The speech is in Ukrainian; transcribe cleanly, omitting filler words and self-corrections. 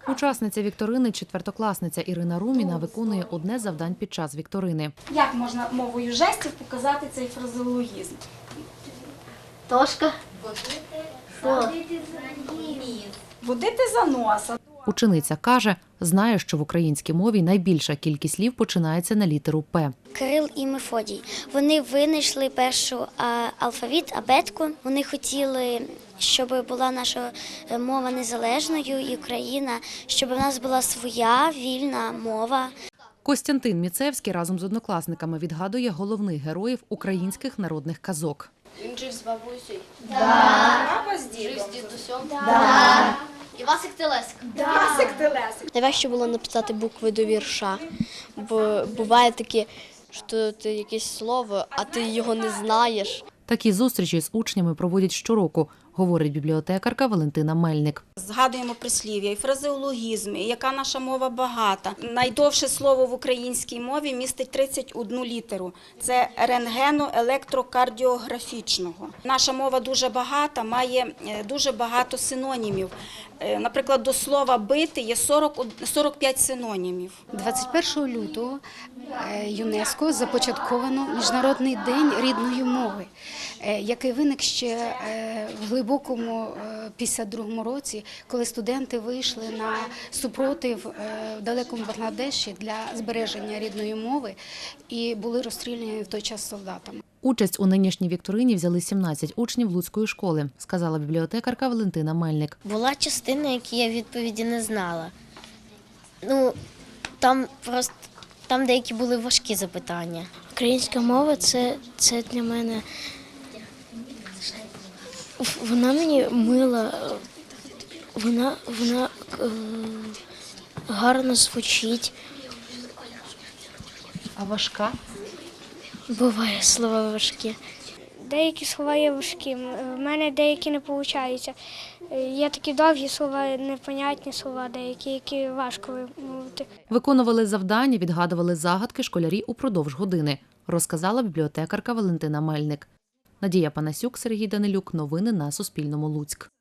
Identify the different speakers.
Speaker 1: Учасниця вікторини, четвертокласниця Ірина Руміна, виконує одне з завдань під час вікторини.
Speaker 2: Як можна мовою жестів показати цей фразеологізм?
Speaker 3: Тошка.
Speaker 2: Водити за носа.
Speaker 1: Учениця каже, знає, що в українській мові найбільша кількість слів починається на літеру «П».
Speaker 4: Кирил і Мефодій. Вони винайшли першу алфавіт, абетку. Вони хотіли, щоб була наша мова незалежною і Україна, щоб у нас була своя вільна мова.
Speaker 1: Костянтин Міцевський разом з однокласниками відгадує головних героїв українських народних казок.
Speaker 3: Він жив з бабусею.
Speaker 2: Баба з
Speaker 3: Жив
Speaker 2: дідом.
Speaker 3: з дідусем. І Васик Телесик.
Speaker 2: Васик телесик.
Speaker 5: Найважче було написати букви до вірша, бо буває таке, що ти якесь слово, а ти його не знаєш.
Speaker 1: Такі зустрічі з учнями проводять щороку, говорить бібліотекарка Валентина Мельник.
Speaker 2: Згадуємо прислів'я і фразеологізми, і яка наша мова багата. Найдовше слово в українській мові містить 31 літеру. Це рентгено-електрокардіографічного. Наша мова дуже багата, має дуже багато синонімів. Наприклад, до слова «бити» є 45 синонімів.
Speaker 6: 21 лютого ЮНЕСКО започатковано Міжнародний день рідної мови, який виник ще в глибокому 52-му році, коли студенти вийшли на супротив в далекому Бангладеші для збереження рідної мови і були розстріляні в той час солдатами.
Speaker 1: Участь у нинішній вікторині взяли 17 учнів Луцької школи, сказала бібліотекарка Валентина Мельник.
Speaker 4: Була частина, які я відповіді не знала. Ну, там деякі були важкі запитання. Українська мова це для мене. Вона мені мила, вона гарно звучить.
Speaker 1: А важка?
Speaker 4: Буває слова важкі.
Speaker 7: Деякі слова є важкі, в мене деякі не виходить. Є такі довгі слова, непонятні слова, деякі, які важко вимовити.
Speaker 1: Виконували завдання, відгадували загадки школярі упродовж години, розказала бібліотекарка Валентина Мельник. Надія Панасюк, Сергій Данилюк. Новини на Суспільному. Луцьк.